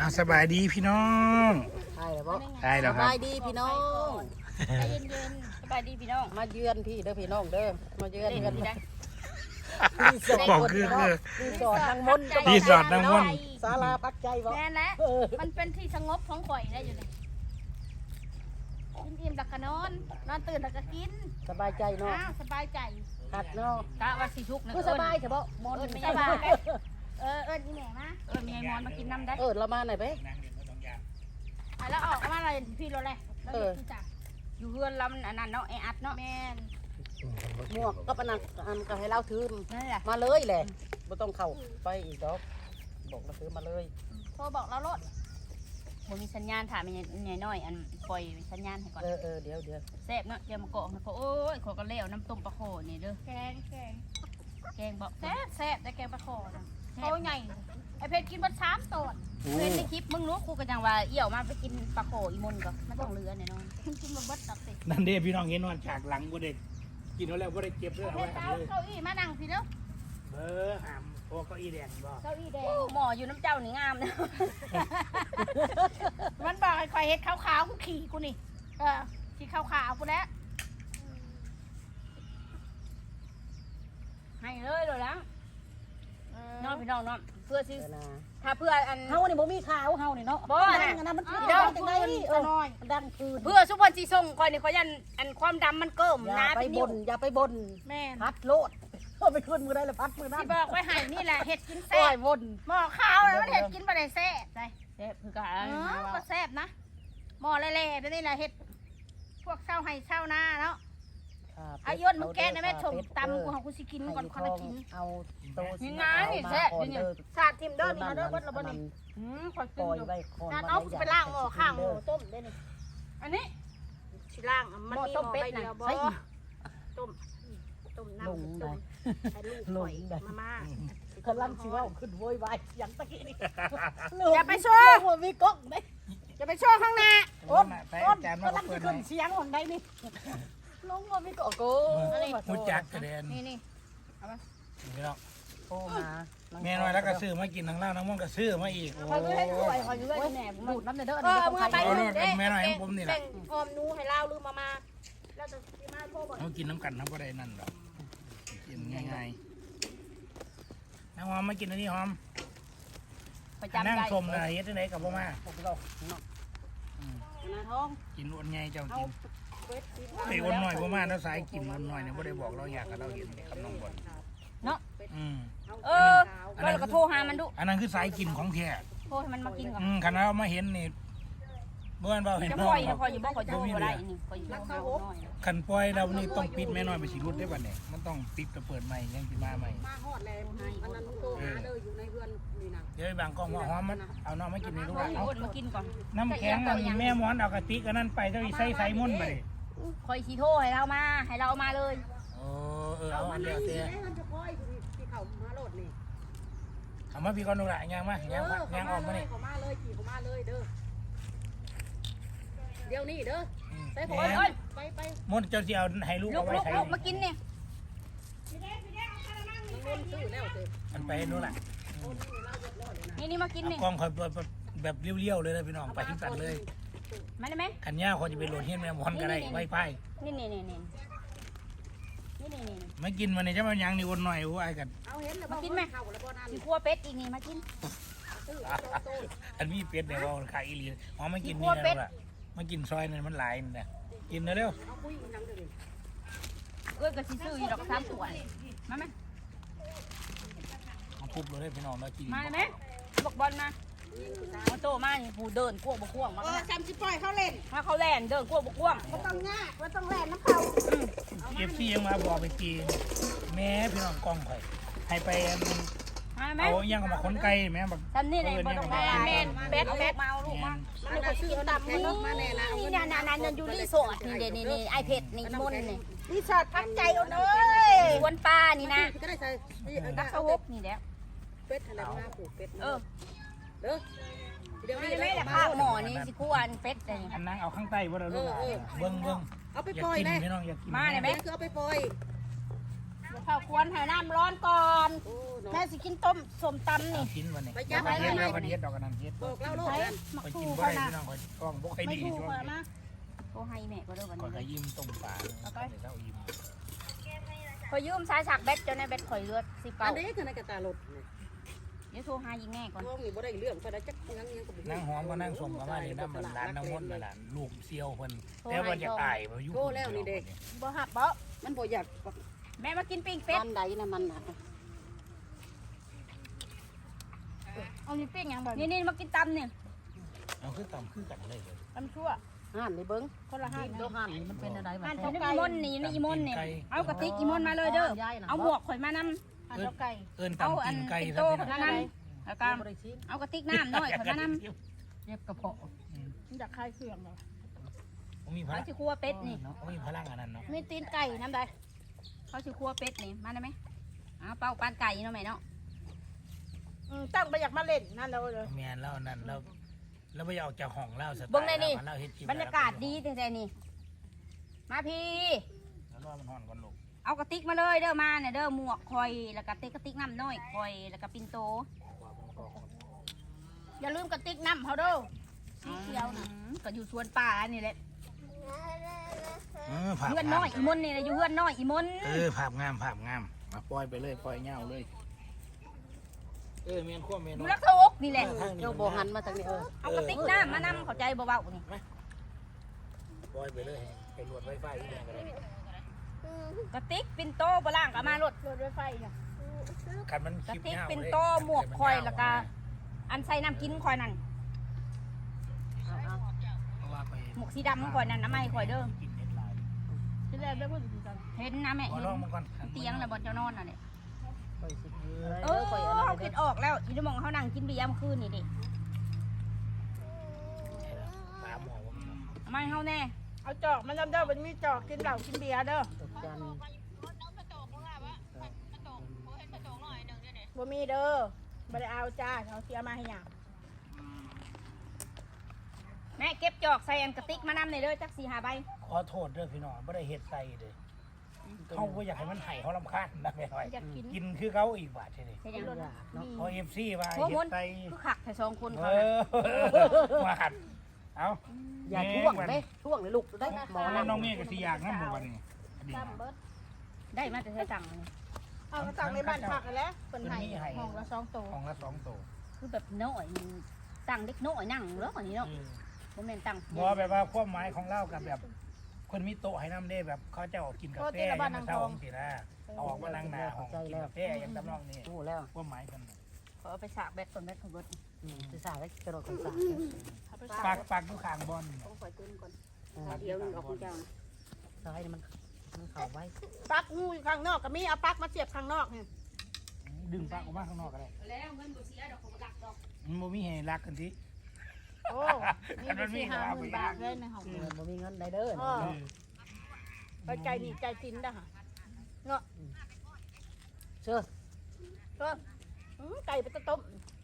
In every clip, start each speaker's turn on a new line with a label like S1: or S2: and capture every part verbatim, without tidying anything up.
S1: อาสบายดีพี่น้องใช่แล้วบ่ใช่แล้วครับสบายดีพี่น้อง
S2: ใจเย็นๆสบายดีพี่น้อง
S3: มาเยือนพี่เด้อพี่น้องเด้อมาเยือนเยือนได้
S1: บอกคือคือ
S3: รีสอร์ทนางมนต์
S1: รีสอร์ทนางมนต์
S3: ศาลาปักใจบ่
S2: แน่แหละมันเป็นที่สงบของข่อยได้อยู่นี่กินอิ่มแล้วก็นอนนอนตื่นแล้วก็กิน
S3: สบายใจเนาะ
S2: อ้าวสบายใจ
S3: คักเนาะ
S2: กะว่าสิทุกข์นะ
S3: คือสบายเฉพาะมอน
S2: ไม่สบายเออเอิ้นอีแม่มาเอิ้นมีไอ้มอนมากินน้ำได้
S3: เออเรามาไหนไป
S2: อ่ะแล้วออกมาอะไรพี่รถเลยเอออยู่เฮือนลำอันนั้นเนาะไออัดเนาะแม่น
S3: หมวกก็ปนังอันก็ให้เราถือ
S2: นั่นแหละ
S3: มาเลยแหละไม่ต้องเข้าไปอีกดอกบอกเราถือมาเลย
S2: โทรบอกเรารถบ่มีสัญญาณถามใหญ่น้อยอันปล่อยสัญญาณให้ก่อน
S3: เออเออเดี๋ยวเดี๋ยว
S2: แซ่บเนาะเดี๋ยวมาเกาะเขาโอ้ยขอกันแล้วน้ำต้มปลาโขนี่เด้อแกงแกงแกงบอกแซ่บแซ่บแต่แกงปลาโขนะเขาใหญ่ไอเพชรกินบัดสามตอนเพชรในคลิปมึงรู้ครูกันยังว่าเอี่ยวมาไปกินปลาโขอีมุนก็ไม่ต้องเรือเนี่ยน้องกินมาบัดตักสิ
S1: นั่นเด้พี่น้องเห็นนอนฉากหลังบ่ได้กินแล้วบ่ได้เก็บเลยเอาไว้
S2: เอาเก้าอี้มานั่งพี่เนาะ
S1: เบอร์หามพวกเก้าอี้แดงบ่
S2: เก้าอี้แดงหมออยู่น้ำเจ้านี่งามนะมันบอกให้คอยเฮ็ดขาวๆกูขี่กูนี่เออขี่ขาวๆกูแล้วให้เลยเลยแล้วน้องพี่น้องน้องเพื่อซื้อถ้าเพื่ออัน
S3: เฮานี่บ่มีขาวเฮานี่เนาะ
S2: บ่
S3: ดังอันนั้นมันคือ
S2: ดัง
S3: จังได๋เออดังคืน
S2: เพื่อสุพรรณสีส่งคอยนี่ขอยันอันความดำมันเกิ่ม
S3: นะไปบนอย่าไปบน
S2: แม่
S3: พัดโลดเอาไปขึ้นมือได้แล้วพัดมือนั้น
S2: ที่บอกไว้ให้นี่แหละเห็ดกินแซ่
S3: บวน
S2: หม้อข้าวแล้วมันเห็ดกินบ่ได้แซ่บใช่แซ่บคือกันก็แซ่บนะหม้อเล่ๆนี่แหละเห็ดพวกเช่าให้เช่าหน้าเนาะอายุนมึงแกนะแม่ชมตำกูของกูสิกินก่อนคนละกิน
S3: เอาโต
S2: นี่นะนี่แซ่บนี่สาดทิมเด้อนี่นะเด้อวัดละบ่นี่อืมคอยกินอยู่สาดเอาไปล่างหม้อข้างหม้อต้มได้นี่อันนี้สิล่างมันมีหม้อใบเดียวบ่ต้มต้มน้ำต้มใส่ลูกหอยมาม่าก
S3: ำลังชิว่าขึ้นโวยวายอย่างตะกี้นี่
S2: อย่าไปโชว์
S3: หัวมีก๊อกไหม
S2: อย่าไปโชว์ข้างหน้า
S3: อ้นอ้นกำลังขึ้นเสียงคนใดนี่ลงหัวมีก๊อกโก้
S1: มุจักกระเด็น
S2: นี่นี่เอาไป
S1: พี่น้อง
S3: โอ้มา
S1: แม่น้อยแล้วก็ซื้อมากินทางเล่าน้ำมันก็ซื้อมาอีก
S2: คอยดูให้คอยคอยดูให้แหนบูดน้ำเด้อเออมือไปเลย
S1: แม่น้อยของผมนี่แหละ
S2: หอมนูให้เล่าลืมมามาแล้วจะมาโทรบอก
S1: เขากินน้ำกันน้ำก็ได้นั่นหรอกกินง่ายๆน้ำหอมมากินอันนี้หอมนั่งชมอะไรเฮ็ดได้กับพ่อมากินอ้วนไงเจ้ากินไอ้อ้วนหน่อยพ่อมาแล้วสายกินอ้วนหน่อยเนี่ยไม่ได้บอกเราอยากกับเราเห็นคำน้องบอล
S2: เนาะเออเราก็โทรหามันดู
S1: อันนั้นคือสายกินของแท้
S2: โทรให้มันมากินก่อน
S1: ขณะเรามาเห็นนี่เมื่อวันเราเห็น
S2: พ่อพ่ออยู่บ้านพ่ออยู่บ่ได้นี่พ่ออยู่บ้าน
S1: ขันปล่อยเรานี่ต้องปิดแม่น้อยไปสิรุดได้ป่ะเนี่ยมันต้องปิดกระเปิดใหม่ยังสิมาใหม่
S3: มาฮอดแล้วอันนั้นโตหาเด้ออยู่ในเรือนนี่นะ
S1: เดี๋ยวบางกล้องว่าหอมมันเอาน้องมากินในลูก
S2: เอามากินก่อน
S1: น้ำแข็งแม่ม้อนเอากระติกอันนั้นไปเจ้าอีไส้ไส้มุ่นไป
S2: คอยขี้โทให้เรามาให้เรามาเลย
S1: โอ้เออเอาอันเดียวเตี้ยเอามาพี่ก้อนดูละยังมายังมายังออกมาเนี่ย
S3: เขามาเลยขี่เขามาเลยเด้อเดี๋ยวนี้เด้อ
S2: ใส่ผมไปไป
S1: มดเจ้าเจียวให้ลูกเอาไว้ใส่
S2: ลูกมากินเนี่ย
S1: มันไปนู่นแหละ
S2: นี่นี่มากินนี่
S1: กล้องคอยแบบเลี้ยวๆเลยนะพี่น้องไปทิ้งตัดเลย
S2: มาได้ไหม
S1: ขันย่าเขาจะไปโหลดเฮียนแม่มอนก็ได้ไว้ไป
S2: นี่นี่นี่นี่นี่นี่นี่
S1: มากินวันนี้จะมายังนี่วนหน่อยว่าไอ้กัน
S2: มากินไหมมีขั้วเป็ดอีกนี่มากิน
S1: อันนี้เป็ดเนี่ยว่าขายอีหลีอ๋อมากินนี่แล้วล่ะมากินซอยนั่นมันหลายนี่นะกินเร็ว
S2: เอ้ยกระชิซื้อดอกสามตัวมาไหม
S1: มาปุ๊บเลยพี่น้องมากิน
S2: มาไหมบอกบอลมามาโตมานี่ผู้เดินกวบกวงมา
S3: เออจำสิปล่อยเขาเล่น
S2: ถ้าเขาแล่นเดินกวบกวง
S3: ไม่ต้องง่ายไม่ต้องแล่นน้ำเขา
S1: เอฟซียังมาบอกไปกินแม่พี่น้องกล้องข่อยให้ไปเอายังมาขนไก่แม่แบบ
S2: ทำนี่เลยบอลแม่แม่เบ็ดเบ็ดมาเอาลูกมาลูกก็ซื้อตำนี่นี่นี่นานๆอยู่รีสอร์ทนี่เดี๋ยวนี่นี่ไอเพชรนี่มนนี่
S3: รีสอร์ทพักใจเอาเนย
S2: วนปลานี่นะ
S3: ก็ได้ใส่
S2: นักเขาฮกนี่แล้ว
S3: เป็ดอะไรมาปลูกเป็ด
S2: เออ
S3: เด้อเดี๋ยวนี้
S2: ไม่ได้ข้าวหม้อนี่สิคู่อันเป็ดเลย
S1: อันนั้นเอาข้างใต้ว่าเราลูกเบิ้งเบิ้ง
S3: เอาไปปล่อย
S1: นะพี่น้องอยากกิน
S2: มาเลยไหม
S3: คือเอาไปปล่อย
S2: ปข้าวควรให้น้ำร้อนก่อนแม่สิกินต้มส้มตำนี่
S1: กินวันนี้แล้วก็เฮ็ดแล้วก็เฮ็ดดอกกันนั่นเฮ็ด
S3: บอกเราโลด
S2: ใช้
S3: นั่น
S2: มัก
S1: คอย
S2: ทู
S1: กินบ่
S2: ก่อน
S1: ได้
S2: นะ
S1: พี่น้องคอยกล้องบ่ค่อย
S2: ไม่
S1: ดี
S2: ทู
S1: ช่วง
S2: ก่อน
S1: นี้
S2: นะ
S4: โทรให้แม่ก็เด้อวัน
S1: คอยก็
S4: นี้
S1: ยิ้มต้มปลาเช้ายิ้ม
S4: ขอยยืมสายสักแบตจนในแบตข่อยเลือดสิ
S3: อั
S4: เก้าน
S3: นี้คือในกระตาลด
S4: เดี๋ยวโทรหายิงแม่ก่อน
S3: พวกนี้บ่ได้เรื่องก็ได้จักยังยังก็บ่
S1: นั่งหอมก็นั่งสมกับว่านี่น้ำมันร้านน้ำมันน่ะลูกเซียวเพิ่นแต่ว่าจะตายบ่อยู่
S2: บ่หับบ่
S3: มันบ่อยาก
S4: แม่มากินปิ้ง
S3: เป็
S4: เป็
S3: ด
S4: ด
S3: ใดนะมันน่ะ
S2: เอานี่ปิ้งยังบ่
S4: นี่นี่มากินตำเนี่ย
S1: เอาคือต่ำคือกันเลยเลย
S2: ตำชั่ว
S3: ห่านนี่เบิ่ง
S2: คนละห้า
S3: โลห่านนี่มันเป็นอะไร
S4: อันของอีมนนี่นี่อีมนเนี่ยเอากระติกอีมนมาเลยเด้อเอาหมวกข่อยมานำ
S2: อันเจ้าไก่
S1: เอิ้น
S4: เอา
S1: ต่ำ
S4: อั
S1: กิ
S4: น
S1: นไก่
S4: เป็น
S1: ซะ
S4: โต
S1: พี่
S4: ข่อย
S1: น้อง
S4: มานำแล้วก็เอากระติกน้ำน้อยข่อยมานำ
S3: เจ็บกระเพาะ
S2: อยากคลายเครื่องเหรอ
S1: มีพ
S4: เขา
S1: ลัง
S4: สิคั่วเป็ดนี่
S1: มีพลังอันนั้นเนาะ
S2: มีตีนไก่น้ำใด
S4: เขาสิคั่วเป็ดนี่มาได้ไหมเอาเป้าปานไก่เนาะแม่เนาะ
S2: อืมตั้งไปอยากมาเล่นนั่นแล้วเลย
S1: แม่นแล้วนั่นแล้วแล้วไปเอาจากห้องเล่าสไตล์
S4: เบิ่งในนี่
S1: เล่าเฮ็ดกิน
S4: บรรยากาศดีแต่ๆนี่มาพี่
S1: แล้วรอมันฮ้อนก่อนลูก
S4: เอากระติกมาเลยเด้อมาเนี่ยเด้อหมวกคอยแล้วก็ติกกระติกน้ำน้อยคอยแล้วก็ปินโต
S2: อย่าลืมกระติกน้ำเขาเด้อสีเขียวนะ
S4: อืมก็อยู่สวนป่านี่แหละ
S1: เออภาพ
S4: เพื่อนน้อยอีมนนี่แหละอยู่เพื่อนน้อยอีมน
S1: เออภาพงามภาพงามมาปล่อยไปเลยปล่อยเงาเลยเออเมียนขั้วเมียน
S4: อยู่รักโทกนี่แหละ
S3: เจ้าบ่หันมาทางนี้เออ
S4: เอากระติกน้ำมานำเข้าใจเบาๆนี่
S1: ปล่อยไปเลยไปรวดไฟไฟที่ไหนก็ได้
S4: กระติกปินโตบล่างก็มารถ
S2: รถไฟไฟเนี่ย
S1: คันมัน
S4: กระ
S1: คลิป
S4: ติก
S1: เงา
S4: ปินโตหมวกคอยแล้วก็อันใส่น้ำกินคอยนั่น
S1: เพราะว่าไป
S4: หมวกสีดำคอยนั่นน้ำไม้คอยเด้อ
S1: กินเน็ตไลน์
S2: ที่แรกได้พูดถึงกัน
S4: เห็นนะแม่
S1: ขอ
S4: เห็น
S1: ลองมาก่อน
S4: เตียงแล้วบนเจ้านอนน่ะเนี่ย
S3: ไปสิ
S4: เออเขาคิดออกแล้วอีนมองเขานั่งกินเบียร์เมื่อคืนนี่ดิ
S1: ตามหมอว่ามัน
S4: เอามาให้เขาแน่
S2: เอาจอกมันจำได้มันมีจอกกินเหล้ากินเบียร์เด้อ
S3: ตกจัน
S2: บ่มีเด้อบ่ได้เอาจ้าเอาเสียมาให้หยัง
S4: แม่เก็บจอกใส่อันกระติกมานำในเด้อจักสี่ห้าใบ
S1: ขอโทษเด้อพี่น้องไม่ได้เฮ็ดใส่เลยเขาก็อยากให้มันไห้เขาลำคาญนะแม่หน่อย
S2: อยากกิน
S1: กินคือเขาอีกบาททีนี้
S4: ใช่ยัง
S2: มี
S1: พอเอฟซีมา
S4: โอ้
S1: เฮ็
S4: โห
S1: ดใส่
S4: คือขักแต่สองคน
S1: เอ
S4: เขาน่ะ
S1: อมาหัดเอา
S3: อย่าท่วงเด้ท่วงเลยลูกได้หมอ
S1: น้
S3: นั่
S1: องเมฆกับสีอยากน้ำหมดนี่
S2: ซ้ำเบิด
S4: ได้มาแต่ใช้ตังค์นี่
S2: เอากระตังในบ้านพักกันแล้วเพิ่นให้ห้องละสองตัว
S1: ของละสองตัว
S4: คือแบบน้อยตังค์เด็กน้อยนั่งเลิกอันนี้เนาะบ่แม่นตังค์
S1: บอแบบว่าความหมายของเล่ากับแบบ คนมีโต๊ะให้น้ำได้แบบเขาจะออกกินกาแฟยังมาเช่าของสินะออกมานั่งหน้าห้องกินกาแฟยังตำนองนี่
S3: โอ้แล้ว
S1: ความหมายกัน
S4: ขอเอาไปสากแบตคนแบตของรถ
S3: สิสาได้กระโดดคนสา
S2: เอาไป
S1: ปากปากดูขางบอล
S4: ต้องคอยตื้นก่อนเดี๋ยวนึงออกคุณเจ้า
S3: ซ้ายมันมันเข่าไว้
S2: ปักงูอยู่ข้างนอกก็มีเอาปักมาเสียบข้างนอกนี่
S1: ดึงปากออกมาข้างนอกก็ได้
S4: แล้วเงินบ่เสียดอกของหลักดอก
S1: มันบ่มีให้รักกันที
S2: โอ้มีไปสี่ห้าหมื่นบาทเลยในห้อง
S3: มันมีเงินได้เด้อ
S2: ไปใจดีใจสินเด้อค่ะ
S3: เชื่อ
S2: ก็อืมไก่ไปต้ม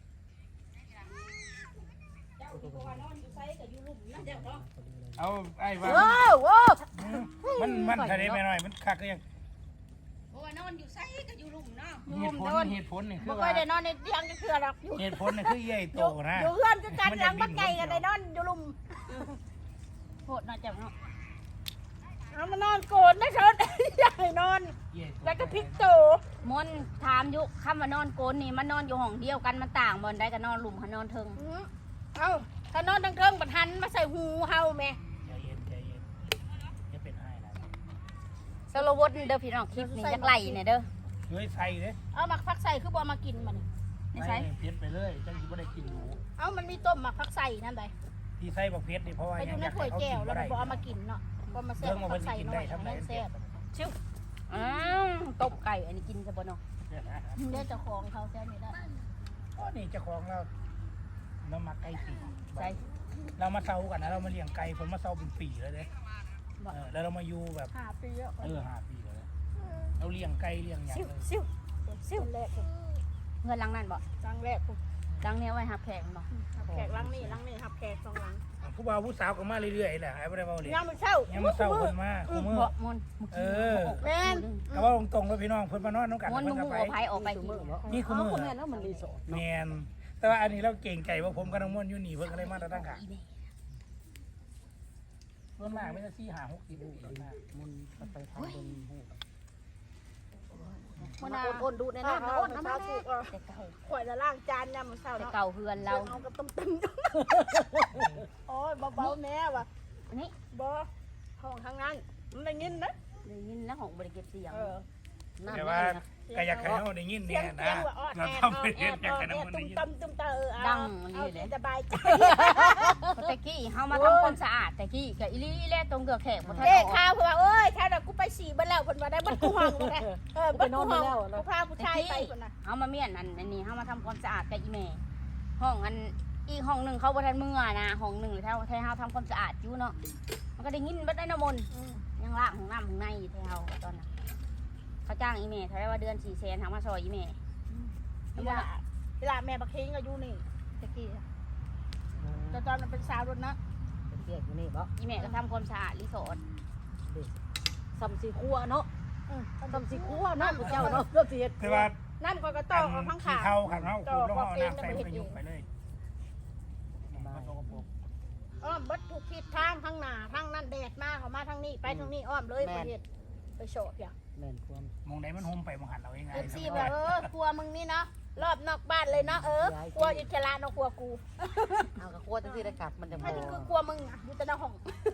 S1: เอาไอ้ว่า
S2: โอ้โห
S1: มันมันทะเลไปหน่อยมันคักก็ยัง
S4: โอ้ยนอนอยู่ไสก็อยู่ลุ่มเนาะ
S1: เหตุผลเหตุผลนี่คื
S2: บ่
S1: อ
S2: ค่อ
S1: ว่าย
S2: ได้นอนในเตียงจะเคือหรอกอยู่
S1: เหตุผลนี่คือใหญ่โตนะ
S2: อยู่เพื่อนก็กันหลังบักไก่กันได้นอนอยู่ลุม
S4: โหดน่าจะเนาะ
S2: เอามานอนโกนนะเชิญอยากให้นอน แล้วก็พลิกโต
S4: มนถามอยู่คำว่านอนโกนนี่มันนอนอยู่ห้องเดียวกันมันต่างบ่ได้ก็นอนลุ่มเขานอนเทิง
S2: อืมเอ้าถ้านอนทั้งเทิงบัดหันมาใส่หูเฮาแม่
S1: ใจเย็นใจเย็นจะเป็นให้นะ
S4: สโลวดเด้อพี่น้องคลิปนี้จักไหลเนี่ยเด้อ
S1: เฮ้ยใส่เด้
S2: เอาหมักผักใส่คือบ่เอามากินมัน
S4: ไม่ใช่
S1: เผ็ดไปเลยจังสิบ่ได้กินหนู
S2: เอ้ามันมีต้มหมักผักใส่นั่นใด
S1: ที่ใส่บักเผ็ดนี่เพราะว่า
S2: ไป
S1: ยั
S2: ดู
S1: ง
S2: ใน
S1: อยาก
S2: ถ้วย
S1: ให้เขา
S2: แก้
S1: กิ
S2: วน แล้ว
S1: บ่
S2: มัน
S1: ได้
S2: บ่เอามากินเนาะบ่มาแซ่
S1: เรื่
S2: บ
S1: องมัน
S2: ผั
S1: เพิ่
S2: ก
S1: น
S2: ใส่
S1: กิน
S2: น้อ
S1: ได้
S2: ย
S1: ทำไร
S2: นั่นแซ่บ
S4: ชิวอ้าวตบไก่อันนี้กินซะบ่เนาะ
S2: เดี๋ยวเจ้าของเขาแซ่บนี่ได้
S1: อ๋อนี่เจ้าของเราเรามาไก่ปี
S4: ใช่
S1: เรามาเซากันนะเรามาเลี้ยงไก่ผมมาเซาเป็นปีแล้วเด้เออแล้วเรามาอยู่แบบ
S2: ห้าปีแล้ว
S1: เออห้าปีแล้วเราเลี้ยงไก่เลี้ยงหยัง
S4: ซิว
S1: เลย
S4: ซิว
S2: ซิ่วแรก
S4: เงินหลังนั่นบ่
S2: ครั้งแรก
S4: หลังเนี้ยไว้หับแขกบ่
S2: หับแขกหลังนี่หลังนี่หับแขกสองหลัง
S1: โอผู้บ่าวผู้สาวก็มาเรื่อยๆแหละไอ้บ่ได้เว้าเลย
S2: ยามมื้อเช้า
S1: ยังมาเศร้าเพิ่นมาคู่มือ
S4: บ่มน
S1: เออ
S2: แม่น
S1: ก็ว่าตรงๆแล้วพี่น้องเพิ่นมานอนน้ำกัน
S4: มน
S1: เพิ่น
S4: มึ
S1: ก็
S4: ง
S1: ไป
S4: เอาไผออกไปกิน
S1: นี่คู่มือ
S3: แม่นแล้วมันรีสอร์ท
S1: แม่นแต่ว่าอันนี้เราเก่งใจว่าผมกับน้องม่วนอยู่นี่เพิ่นก็เลยมาตั้งขาเพิ่นมาไม่ได้สี่ห้าหกสิบลูกดอกนะ
S3: มันไปทางบนหู
S2: มื้อ
S3: มา
S2: น่ะ
S3: โอนดูในนั้น
S2: เา
S3: โอน
S2: เา
S3: น้ำ
S2: เช้า
S3: มัน
S2: ถูกเออ
S4: แต่เก่า
S2: ข่อยละล้างจานยามมื้อเช้า
S4: แต่
S2: เนาะ
S4: เก่าเฮือน
S2: เรา
S4: เรา
S2: เอากับต้มตึ้มโอ้ยเบาๆแม่ว่ะ
S4: อันนี้
S2: บ่ห้องทางนั้นมันได้ยินนะ
S4: ได้ยินแล้วของบริเก็บเสียง
S2: เออ
S1: แต่ว่าก็อยากให้เฮาได้ยิน
S2: เสี
S1: เนี่ย ย
S2: ง
S1: นะ
S2: เสียงว่าออด
S1: เรา
S2: แอด
S1: ทำ
S2: ออ
S1: เป็
S2: ด
S1: น
S2: แอ
S1: เฮ็ด
S2: ด
S1: อยาก
S2: ออ
S1: ให้
S2: ด
S1: น้อง
S2: แอ
S1: ม่ว
S2: ด
S1: นได้
S2: ตุ้ม
S1: ยิน
S2: ตำตุ้มตาเออเอา
S4: ดัง
S2: เอา
S4: นี่เลย
S2: สบายใจ
S4: ตะกี้เฮามาทำความสะอาดตะกี้กับอีลี่แล่ตรงเกือกแขกบ่ทัน
S2: เด็ก
S4: ออก
S2: ข่าวเพิ่นว่าเอ้ยถ้าเรากูไปฉี่เบิ่แล้วเพิ่นว่าได้บัดกูห้องบ่ได้เออบัดกูห้องกูพาผู้ชายไปเพิ่นน่ะ
S4: เฮามาเมียนอันอันนี้เฮามาทำความสะอาดกับอีแม่ห้องอันอีกห้องหนึงเขาบ่ทันมื้อนะห้องหนึงแถวแถวเฮาทำความสะอาดอยู่เนาะมันก็ได้ยินเบิดได้น้ำมนต์
S2: อืม
S4: ยังล้างห้องน้ำห้องในอยู่แถวตอนนั้นเขาจ้างอีแม่เขาได้ว่าเดือนสี่แสนทางมาซอยอีแม่
S2: เวลาเวลาแม่บักเฮงก็อยู่นี่ตะกี้แต่ตอนนั้นเป็นสาวรถนะ
S3: เป็นเกียอยู่นี่บ่
S4: อีแม่ก็ทำความสะอาดรีสอร์ท
S3: ซ้ำสีคั่วเนาะ
S2: อืม
S3: ซ้ำสีคั่วเนาะผู้เจ้าเนาะเรื่องสิเฮ็ด
S1: แต่ว่า
S2: น้ำก็ก็ต่อเอาข้างขา
S1: เท่ากันเฮาคุณลงเอาน้ำใส่ไปยุบไปเลย
S2: อ้อมบัดทุกทิศทางข้างหน้าทางนั้นแดดมาเขามาทางนี้ไปทางนี้อ้อมเลยประเทศไปโฉบอย่าง
S3: แม่นความ
S1: มองไหนมันโฮมไปมองหันเราเองไง
S2: เอฟซีแบบเออครัวมึงนี่เนาะรอบนอกบ้านเลยเนาะเออครัวอิสระเนาะครัวกู
S3: เอากระคั่วจังซี่ได้กลับมันจะ
S2: ถ้า
S3: บ่
S2: นี่คือครัวมึงอะอยู่แต่ในห้อง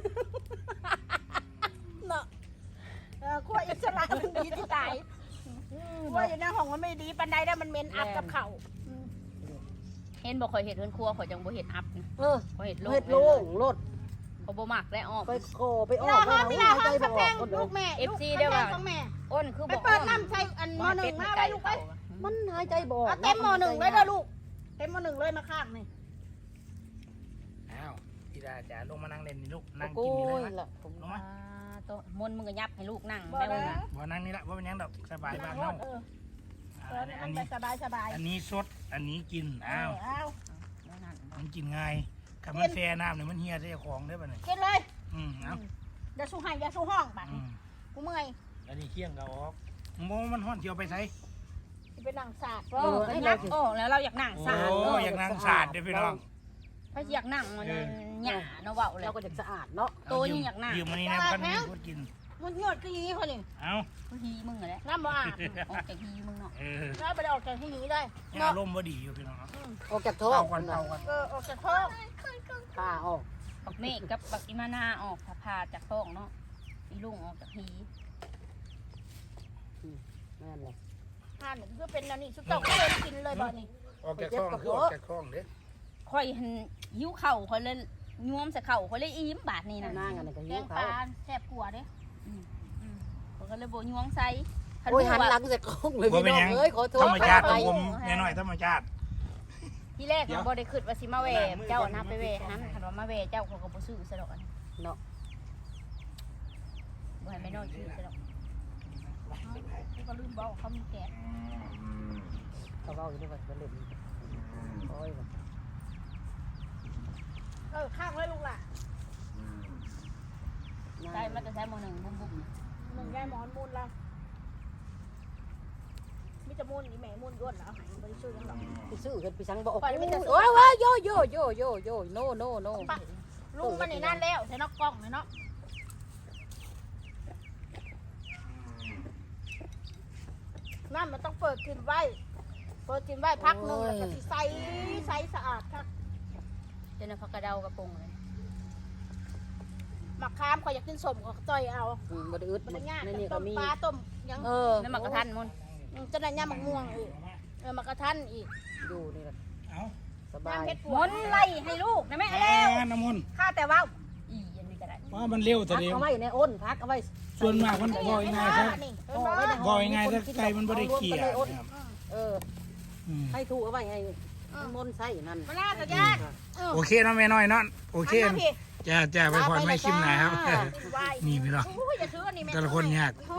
S2: เนาะเออครัวอิสระมันดีที่ตายครัวอยู่ในห้องมันไม่ดีปันใดได้มันเหม็นอับกับเขาอืม
S4: เห็นบอกข่อยเห็ดเฮือนครัวข่อยจังบ่เห็ดอัพนะ
S3: เออ
S4: ข่อยเห็ดโลก
S3: เฮ็ดโล่งรถ
S4: เขาบ่มักได้ออก
S3: ไปโคไปอ
S2: เว
S3: อ
S2: ลาก ห้องเวลาห้อง
S3: ใจ
S2: ขับ
S3: บ่
S2: แพ
S3: ออง กคนเดีย
S2: ลู
S3: ว
S2: กแม่
S4: เอฟ
S2: ลูก
S4: ซี
S2: ขับ
S4: ได้
S2: แพ
S4: ว่า
S2: งของแม่
S4: อ้นคือ
S2: ไป
S4: บ่
S2: เปิดน้ำใส่อันหมอหนึ่งมาไว้ลูกไป
S3: มันหายใจบ่ออก
S2: เอาเต็มหมอหนึ่งเลยเด้อลูกเต็มหมอหนึ่งเลยมาข้างนี่
S1: อ้าวพี่ดาจ๋าลงมานั่งเล่นนี่ลูกนั่ง
S3: โอ้
S1: กินนี่เลย
S3: ย
S1: นะ
S3: ล่ะผม
S1: ลงมา
S4: โตมนต์มึงก็ยับให้ลูกนั่ง
S2: บ่
S4: แม่
S2: ได้
S4: มึงน่ะ
S1: บ่นั่งนี่ละบ่เป็นหยังดอกสบายบ้าน
S2: เอ
S1: เฮา
S2: อเออ
S1: อันนี้
S2: อั
S1: อั
S2: น
S1: น
S2: ไป
S1: นี้
S2: สบายสบาย
S1: อันนี้สดอันนี้กินอ้าว
S2: อ้าว
S4: แล้วนั่น
S1: มันกินง่ายกับมันแช่น้ำเนี่ยมันเฮียใส่ของได้ป่ะเนี่ย
S2: กินเลย
S1: อืมเอา
S2: อย่าสู้ให้อย่าสู้ห้องบัด
S1: อืม
S2: กูเมื่อย
S1: อันนี้เคี่ยงก็ออกโมมันห้อนเจียวไปใส่
S2: สิเป็นนางสาด
S4: โอ้ให้นักโอ้แล้วเราอยากนั่ง
S1: โอ้
S4: สาด
S1: อยากนั่งสาดเด้อพี่น้อง
S4: ถ้าอยากนั่งมันหยาเนาะเว้าเลย
S3: เราก็จะสะอาดเนาะ
S4: โตยังอยากนั่ง
S1: ยืมมันนี่นะกันมีคนกิน
S2: มันหยดก็อย่างนี้คนนี่
S1: เอา
S4: กูฮีมึงเหรอเนี่ย
S2: น้ำบ่อาบ
S4: ออกจากฮีมึงเนาะ
S1: เออ
S2: น้ำไปได้ออกจากที่นี้ได้
S1: เนี่ยอารมณ์บ่ดีอยู่พี่น้อง
S3: ออกจากท้อ
S1: เอา
S3: ง
S1: ก่อนเอาก่อน
S2: เออออกจากท้อง
S3: ผ้าออก
S4: บักเมฆกับบักอิมานาออกพาจากท้องเนาะอีลุงออกจากฮี
S3: แม่นเลย
S2: ห่านนี่คือเป็นอันนี้สุดต้องก็เลยกินเลยบ่นี่
S1: ออกจากคลองคือออกจากคลองเด้อ
S4: ข่อยหันหิวเข่าข่อยเลยยวมใส่เข่าข่อยเลยอิ่มบาดนี่นะ
S3: นั่งกันก็
S2: แก
S3: หิว
S2: งป
S3: เขา
S2: ลาแซ่บกว่าเด้
S4: ข่อยก็เลยบ่ยวงใส่คัน
S3: โอ้ยหัน
S4: ว่า
S3: หลังใส่กล้องเลย
S1: บ่
S3: พี่
S1: เป็น
S3: น้อ
S1: ห
S3: ง
S1: ยัง
S3: เอ้ยขอโทษ
S1: ธรรมชาติของ
S3: ไป
S1: ผมแน่หน่อยธรรมชาติ
S4: ที่แรกมันบ่ได้คิดว่าสิมาแหวเจ้านะไปแหวหันคันว่ามาแหวเจ้าเขาก็บ่ซื้อซะดอกอัน
S3: เนาะ
S4: บ่ให้แม่น้อยซื้อซะดอก
S2: กูก็ลืมบอกเขามีแกะ
S3: เขาเว้าอยู่นี่ว่าบ่เล่นโอ้ย
S2: เออข้างไว้ลูกล่ะ
S4: ใช่มันจะใช้หมอหนึ่งบุ้มบุ้ม
S2: หนึ่งยายหมอนมูลละมิจะมูลนี่แม่มูลย้วนแล้วหายบริสุทธิ์ยังหรอก
S3: ไปซื้อกันไปสั่งบ่ออก
S2: ปล่อยมันจะซื้อ
S3: โอ้ยว้ายโยโยโยโยโยโนโนโน
S2: ปะลุงมันนี่นั่นแล้วใส่นอกกล้องเลยเนาะนั่นมันต้องเปิดกินไว้เปิดกินไว้พักหนึ่งแล้วก็สิใสใสสะอาดค่ะ
S4: เจนพักกระเดากระปงเลย
S2: หมักคามเขาอยากกินสมก็ต่อยเอา
S3: อืมบ่ได้อึด
S2: มันง่าย
S3: ในนี่
S2: ต้
S3: ก็
S2: ม
S3: มี
S2: ปลาต้มยัง
S3: เออ
S4: นั่นมันกระทันมุน
S2: จะได้ย่ามักม่วงอีกเออมักกระทันอีก
S3: อยู่นี่ล่ะ
S1: เอา
S3: สบาย
S2: น้ำเพชรป
S4: ม
S2: วด
S4: นไล่ให้ลูกนะแม่
S1: แอ
S4: แล้ว
S1: น้ำมนต์
S4: ข้าแต่ว่าอีอันนี้ก็ได้
S1: ว่ามันเร็วแต่
S3: พัก
S1: เดียว
S3: เอาไว้ในอ้นพักเอาไว้
S1: ส่วนมากมันบ่อยง่ายซะ
S2: นี่
S3: ห่อไว้ใน
S1: บ่อยง่ายซะไก่มันบ่ได้เกลี่ยนะครับ
S3: เออ
S1: อืม
S3: ให้ถูกเอาไว้ให้มนต์ใส่นั่น
S2: มาลาตะยาน
S1: โอเคเนาะแม่น้อยเนาะโอเค
S2: มาพี่
S1: จะจะไปพอดไม่ชิมหน่อยครับ
S2: ไว้
S1: นี่พี่น้อง
S2: โอ้ยอย่าถืออันนี้แม่
S1: แต่ละคนยาก